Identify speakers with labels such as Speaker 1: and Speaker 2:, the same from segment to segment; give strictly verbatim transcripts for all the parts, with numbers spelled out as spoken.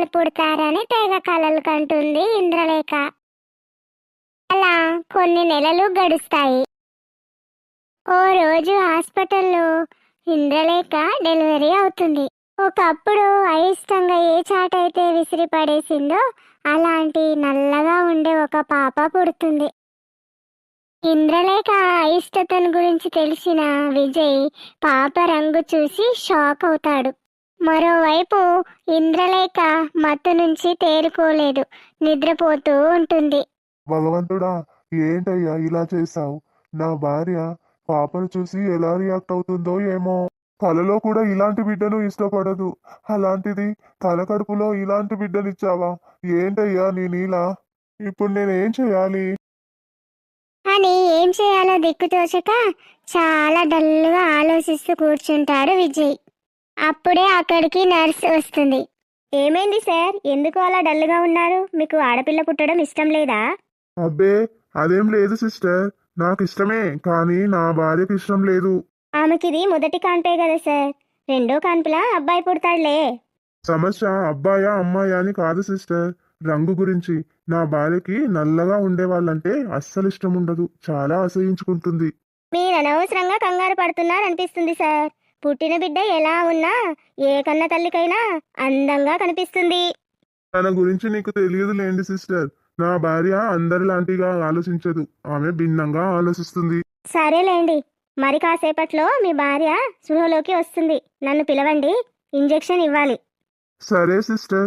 Speaker 1: పిల్లలు పుడతారని తెగ కలలు కంటుంది ఇంద్రలేఖ. అలా కొన్ని నెలలు గడుస్తాయి. ఓ రోజు హాస్పిటల్లో ఇంద్రలేఖ డెలివరీ అవుతుంది. ఒకప్పుడు అయిష్టంగా ఏ చాటైతే విసిరి పడేసిందో అలాంటి నల్లగా ఉండే ఒక పాప పుడుతుంది. ఇంద్రలేఖ అయిష్టతను గురించి తెలిసిన విజయ్ పాప రంగు చూసి షాక్ అవుతాడు. మరోవైపు ఇంద్రలేఖ మత్తు నుంచి తేరుకోలేదు, నిద్రపోతూ ఉంటుంది.
Speaker 2: భగవంతుడా, ఏంటయ్యా ఇలా చేశావు? నా భార్య పాపను చూసి ఎలా రియాక్ట్ అవుతుందో ఏమో. కలలో కూడా ఇలాంటి బిడ్డను ఇష్టపడదు, అలాంటిది తల కడుపులో ఇలాంటి బిడ్డనిచ్చావా? ఏంటయ్యా నీ నీలా? ఇప్పుడు నేనేం చేయాలి
Speaker 1: అని ఏం చేయాలో దిక్కుతోచక చాలా డల్గా ఆలోచిస్తూ కూర్చుంటాడు విజయ్. అప్పుడే అక్కడికి నర్స్ వస్తుంది. ఏమైంది సార్, ఎందుకు అలా డల్గా ఉన్నారు? మీకు ఆడపిల్ల పుట్టడం ఇష్టం లేదా?
Speaker 2: అబ్బే, అదేం లేదు సిస్టర్, నాకు ఇష్టమే, కానీ నా భార్యకి ఇష్టం లేదు.
Speaker 1: ఆమెకిది మొదటి కాన్పే కదా సార్, రెండో కాన్పులా అబ్బాయి పుడతాడులే.
Speaker 2: సమస్య అబ్బాయా అమ్మాయా అని కాదు సిస్టర్, రంగు గురించి. నా భార్యకి నల్లగా ఉండే వాళ్ళంటే అస్సలు ఇష్టం ఉండదు, చాలా అసహించుకుంటుంది.
Speaker 1: మీరు అనవసరంగా కంగారు పడుతున్నారనిపిస్తుంది సార్. పుట్టిన బిడ్డ ఎలా ఉన్నా ఏ కన్న తల్లికైనా అందంగా కనిపిస్తుంది.
Speaker 2: తన గురించి నీకు తెలియదులేండి సిస్టర్, నా భార్య అందరిలాంటిగా ఆలోచించదు, ఆమె భిన్నంగా ఆలోచిస్తుంది.
Speaker 1: సరేలేండి, మరి కాసేపట్లో మీ భార్య స్పృహలోకి వస్తుంది. నన్ను పిలవండి, ఇంజెక్షన్ ఇవ్వాలి.
Speaker 2: సరే సిస్టర్.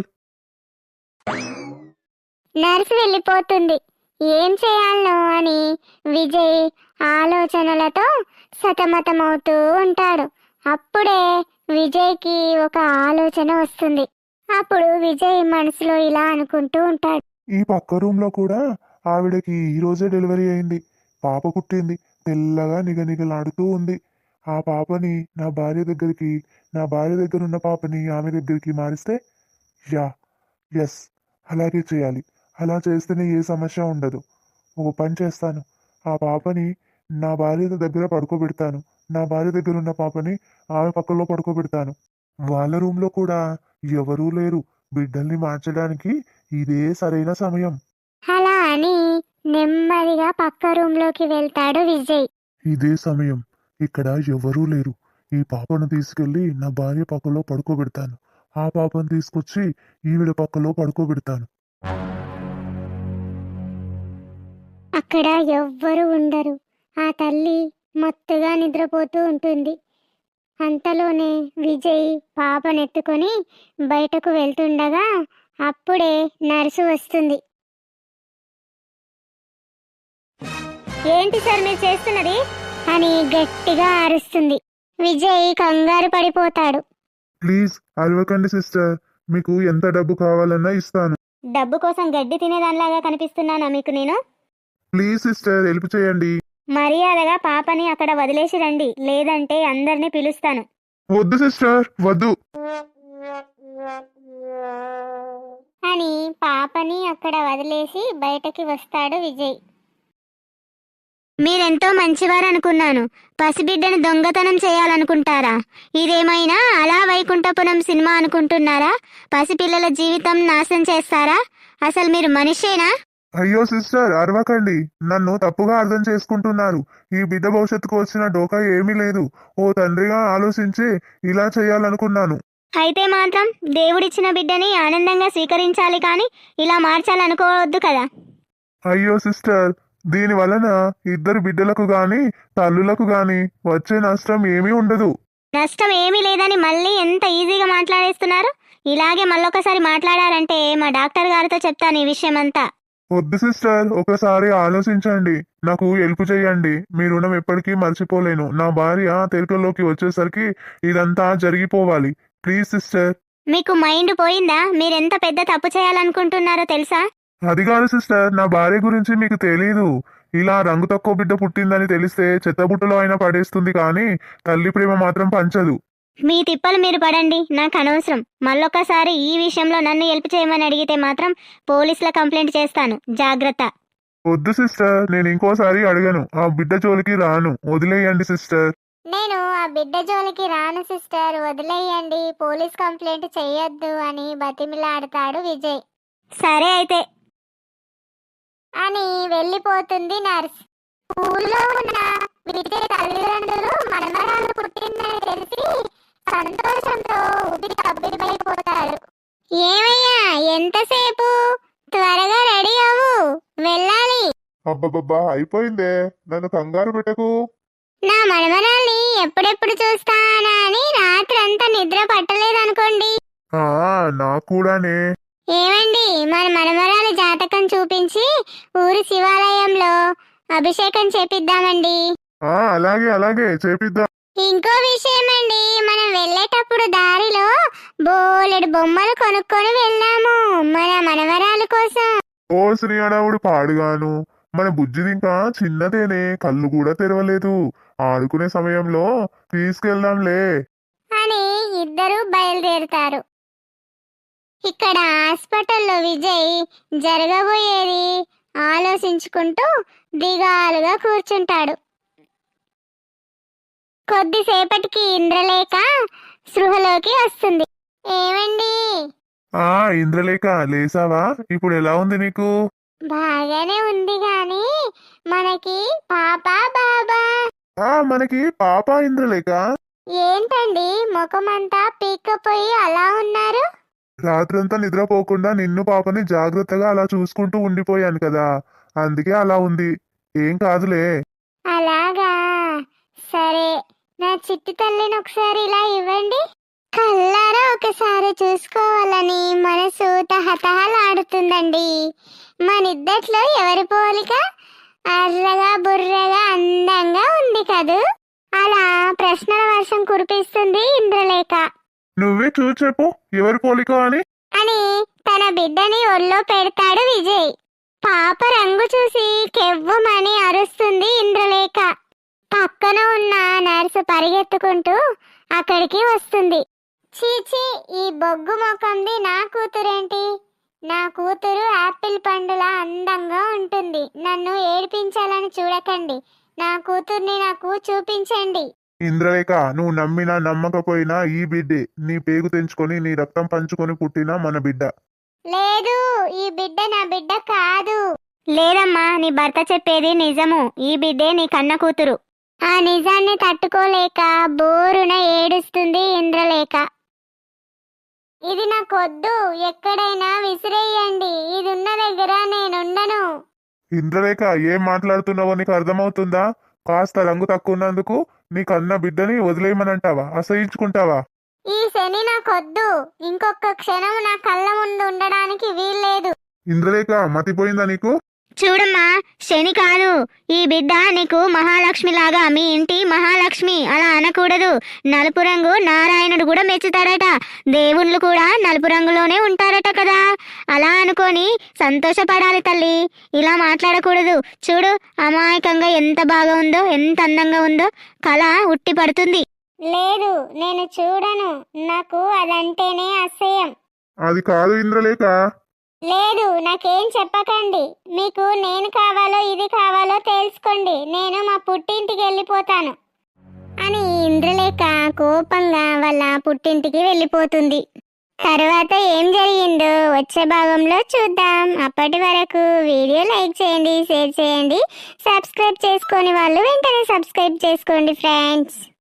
Speaker 1: నర్సు వెళ్ళిపోతుంది. ఏం చేయాలో అని విజయ్ ఆలోచనలతో సతమతమవుతూ ఉంటాడు. అప్పుడే విజయ్కి ఒక ఆలోచన వస్తుంది. అప్పుడు విజయ్ మనసులో ఇలా అనుకుంటూ ఉంటాడు.
Speaker 2: ఈ పక్క రూమ్ లో కూడా ఆవిడకి ఈ రోజే డెలివరీ అయింది, పాప పుట్టింది, తెల్లగా నిగనిగలాడుతూ ఉంది. ఆ పాపని నా భార్య దగ్గరికి, నా భార్య దగ్గర ఉన్న పాపని ఆమె దగ్గరికి మారిస్తే, యా ఎస్, అలాగే చేయాలి. అలా చేస్తేనే ఏ సమస్య ఉండదు. ఒక పని చేస్తాను, ఆ పాపని నా భార్య దగ్గర పడుకోబెడతాను, నా భార్య దగ్గర ఉన్న పాపని ఆమె పక్కలో పడుకోబెడతాను. వాళ్ళ రూమ్లో కూడా ఎవరూ లేరు, బిడ్డల్ని మార్చడానికి ఇదే సరైన సమయం.
Speaker 1: అలా అని నెమ్మదిగా పక్క రూమ్ లోకి వెళ్తాడు విజయ్.
Speaker 2: ఇదే సమయం, ఇక్కడ ఎవరూ లేరు. ఈ పాపను తీసుకెళ్లి నా భార్య పక్కలో పడుకోబెడతాను, ఆ పాపను తీసుకొచ్చి ఈవిడ పక్కలో పడుకోబెడతాను.
Speaker 1: అక్కడ ఎవ్వరు ఉండరు. ఆ తల్లి మత్తుగా నిద్రపోతూ ఉంటుంది. అంతలోనే విజయ్ పాపనెత్తుకొని బయటకు వెళ్తుండగా అప్పుడే నర్సు వస్తుంది. ఏంటి సార్ మీరు చేస్తున్నది అని గట్టిగా అరుస్తుంది. విజయ్ కంగారు పడిపోతాడు.
Speaker 2: ప్లీజ్ అరవకండి సిస్టర్, మీకు ఎంత డబ్బు కావాలన్నా ఇస్తాను.
Speaker 1: డబ్బు కోసం గడ్డి తినేదానిలాగా కనిపిస్తున్నానా మీకు నేను?
Speaker 2: ప్లీజ్ సిస్టర్, హెల్ప్ చేయండి.
Speaker 1: మర్యాదగా పాపని అక్కడ వదిలేసి రండి, లేదంటే అందరినీ పిలుస్తాను.
Speaker 2: వద్దు సిస్టర్, వద్దు
Speaker 1: అని పాపని అక్కడ వదిలేసి బయటకి వస్తాడు విజయ్. మీరెంతో మంచివారు అనుకున్నాను, పసిబిడ్డను దొంగతనం చేయాలనుకుంటారా? ఇదేమైనా అలా వైకుంఠపురం సినిమా అనుకుంటున్నారా? పసిపిల్లల జీవితం నాశనం చేస్తారా? అసలు మీరు మనిషేనా?
Speaker 2: అయ్యో సిస్టర్, అరవకండి, నన్ను తప్పుగా అర్థం చేసుకుంటున్నారు. ఈ బిడ్డ భవిష్యత్తుకు వచ్చిన డోకా ఏమీ లేదు. ఓ తండ్రిగా ఆలోచించి ఇలా చేయాలనుకున్నాను.
Speaker 1: అయితే మాత్రం దేవుడిచ్చిన బిడ్డని ఆనందంగా స్వీకరించాలి, కానీ ఇలా మార్చాలనుకోవద్దు కదా.
Speaker 2: అయ్యో సిస్టర్, దీని వలన ఇద్దరు బిడ్డలకు గాని తల్లులకు గాని వచ్చే నష్టం ఏమీ ఉండదు.
Speaker 1: నష్టం ఏమీ లేదని మళ్ళీ ఎంత ఈజీగా మాట్లాడేస్తున్నారు. ఇలాగే మళ్ళొకసారి మాట్లాడారంటే మా డాక్టర్ గారితో చెప్తాను ఈ విషయం అంతా.
Speaker 2: వద్దు సిస్టర్, ఒకసారి ఆలోచించండి, నాకు హెల్ప్ చేయండి. మీ రుణం ఎప్పటికీ మర్చిపోలేను. నా భార్య తెరకలోకి వచ్చేసరికి ఇదంతా జరిగిపోవాలి. Please sister.
Speaker 1: మీకు మైండ్ పోయిందా? మీరెంత పెద్ద తప్పు చేయాలనుకుంటున్నారో తెలుసా?
Speaker 2: అది కాదు సిస్టర్, నా భార్య గురించి మీకు తెలీదు. ఇలా రంగు తక్కువ బిడ్డ పుట్టిందని తెలిస్తే చెత్తబుట్టలో అయినా పడేస్తుంది, కానీ తల్లి ప్రేమ మాత్రం పంచదు.
Speaker 1: మీ తిప్పలు మీరు పడండి, నాకు అనవసరం. మళ్ళొక్కసారి ఈ విషయంలో నన్ను హెల్ప్ చేయమని అడిగితే మాత్రం పోలీసుల కంప్లైంట్ చేస్తాను, జాగ్రత్త.
Speaker 2: వద్దు సిస్టర్, నేను ఇంకోసారి అడగను, ఆ బిడ్డ జోలికి రాను, వదిలేయండి సిస్టర్.
Speaker 1: నేను ఆ బిడ్డ జోలికి రాను సిస్టర్, వదిలేయండి, పోలీస్ కంప్లైంట్ చెయ్యొద్దు అని బతిమిలాడతాడు విజయ్. సరే అయితే అని వెళ్ళిపోతుంది నర్స్. ఊళ్ళో ఉన్న విజయ్ తల్లిదండ్రులు మనమరాలు పుట్టిందని తెలిసి సంతోషంతో ఉబిరి కబ్బిరిపోతారు. ఏమయ్యా ఎంతసేపు, త్వరగా రెడీ అవ్వు, వెళ్ళాలి.
Speaker 2: అబ్బబ్బబ్బా అయిపోయిందే, నన్ను కంగారు పెట్టకు.
Speaker 1: నా మనమరాల్ని ఎప్పుడెప్పుడు చూస్తానా అని రాత్రంతా నిద్ర పట్టలేదనుకోండి.
Speaker 2: ఆ నాకు కూడానే.
Speaker 1: ఏమండి, మన మనమరాలి జాతకం చూపించి ఊరి శివాలయంలో అభిషేకం చేపిద్దామండి.
Speaker 2: ఆ అలాగే అలాగే చేపిద్దాం.
Speaker 1: ఇంకో విషయం అండి, మనం వెళ్ళేటప్పుడు దారిలో బోలెడు బొమ్మలు కొనుక్కొని వెళ్ళాము మన మనవరాలు కోసం.
Speaker 2: ఓ శ్రీ అడవుడు పాడుగాను, మన బుజ్జిది ఇంకా చిన్నదేనే, కళ్ళు కూడా తెరవలేదు. ఆడుకునే సమయంలో తీసుకెళ్దాంలే
Speaker 1: అని ఇద్దరు బయలుదేరుతారు. ఇక్కడ హాస్పిటల్లో విజయ్ జరగబోయేది ఆలోచించుకుంటూ దిగాలుగా కూర్చుంటాడు. కొద్దిసేపటికి ఇంద్రలేఖ స్పృహలోకి వస్తుంది. ఏమండి?
Speaker 2: ఆ ఇంద్రలేఖ లేసావా? ఇప్పుడు ఎలా ఉంది నీకు?
Speaker 1: బాగానే ఉంది గాని మనకి పాప బాబా?
Speaker 2: ఆ మనకి పాప ఇంద్రలేఖ.
Speaker 1: ఏంటండి ముఖమంతా పీక్కపోయి అలా ఉన్నారు?
Speaker 2: రాత్రంతా నిద్రపోకుండా నిన్ను పాపని జాగ్రత్తగా అలా చూసుకుంటూ ఉండిపోయాను కదా, అందుకే అలా ఉంది. ఏం కాదులే.
Speaker 1: అలాగా, సరే. నా చిట్టి తల్లిని ఒకసారి ఇలా ఇవ్వండి. కళ్ళారా ఒకసారి చూసుకోవాలని మనసు తహతహలాడుతుందండి. మనిద్దట్లో ఎవరి పోలిక? అర్రగా బుర్రగా అందంగా ఉంది కదూ. అలా ప్రశ్నల వర్షం కురిపిస్తుంది ఇంద్రలేఖ.
Speaker 2: నువ్వే చూసి చెప్పు ఎవరి పోలిక అని
Speaker 1: అని తన బిడ్డని ఒళ్ళో పెడతాడు విజయ్. పాప రంగు చూసి కెవ్వమని అరుస్తుంది ఇంద్రలేఖ. పక్కన ఉన్న నర్సు పరిగెత్తుకుంటూ అక్కడికి వస్తుంది. చీచీ, ఈ బొగ్గు ముఖంది నా కూతురేంటి? నా కూతురు యాపిల్ పండులా అందంగా ఉంటుంది. నన్ను ఏడిపించాలని చూడకండి, నా కూతుర్ని నాకు చూపించండి.
Speaker 2: ఇంద్రలేఖ, నువ్వు నమ్మినా నమ్మకపోయినా ఈ బిడ్డే నీ పేగు తెంచుకొని నీ రక్తం పంచుకొని పుట్టిన మన బిడ్డ.
Speaker 1: లేదు, ఈ బిడ్డ నా బిడ్డ కాదు. లేదమ్మా, నీ భర్త చెప్పేది నిజము. ఈ బిడ్డే నీ కన్న కూతురు. ఆ నిజాన్ని తట్టుకోలేక బోరున ఏడుస్తుంది ఇంద్రలేఖ. ఇది నాకొద్దు, ఎక్కడైనా విసిరేయండి. ఇది ఉన్న దగ్గర నేనుండను.
Speaker 2: ఇంద్రలేఖ, ఏం మాట్లాడుతున్నావో నీకు అర్థమవుతుందా? కాస్త రంగు తక్కువ ఉన్నందుకు నీ కన్న బిడ్డని వదిలేయమనంటావా? అసహించుకుంటావా?
Speaker 1: ఈ శని నాకొద్దు. ఇంకొక క్షణం నా కళ్ళ ముందు ఉండడానికి వీల్లేదు.
Speaker 2: ఇంద్రలేఖ, మతిపోయిందా నీకు?
Speaker 1: చూడమ్మా, శని కాదు, ఈ బిడ్డ నీకు మహాలక్ష్మి లాగా, మీ ఇంటి మహాలక్ష్మి. అలా అనకూడదు. నలుపు రంగు నారాయణుడు కూడా మెచ్చుతాడట. దేవుళ్ళు కూడా నలుపు రంగులోనే ఉంటారట కదా. అలా అనుకొని సంతోషపడాలి తల్లి, ఇలా మాట్లాడకూడదు. చూడు, అమాయకంగా ఎంత బాగా ఉందో, ఎంత అందంగా ఉందో. కళ ఉట్టి పడుతుంది. లేదు, నేను చూడను. నాకు అదంటేనే అసహ్యం.
Speaker 2: అది కాదు ఇంద్రలేఖ.
Speaker 1: లేదు, నాకేం చెప్పకండి. మీకు నేను కావాలో ఇది కావాలో తెలుసుకోండి. నేను మా పుట్టింటికి వెళ్ళిపోతాను అని ఇంద్రలేఖ కోపంగా వాళ్ళ పుట్టింటికి వెళ్ళిపోతుంది. తర్వాత ఏం జరిగిందో వచ్చే భాగంలో చూద్దాం. అప్పటి వరకు వీడియో లైక్ చేయండి, షేర్ చేయండి, సబ్స్క్రైబ్ చేసుకొని వాళ్ళు వెంటనే సబ్స్క్రైబ్ చేసుకోండి ఫ్రెండ్స్.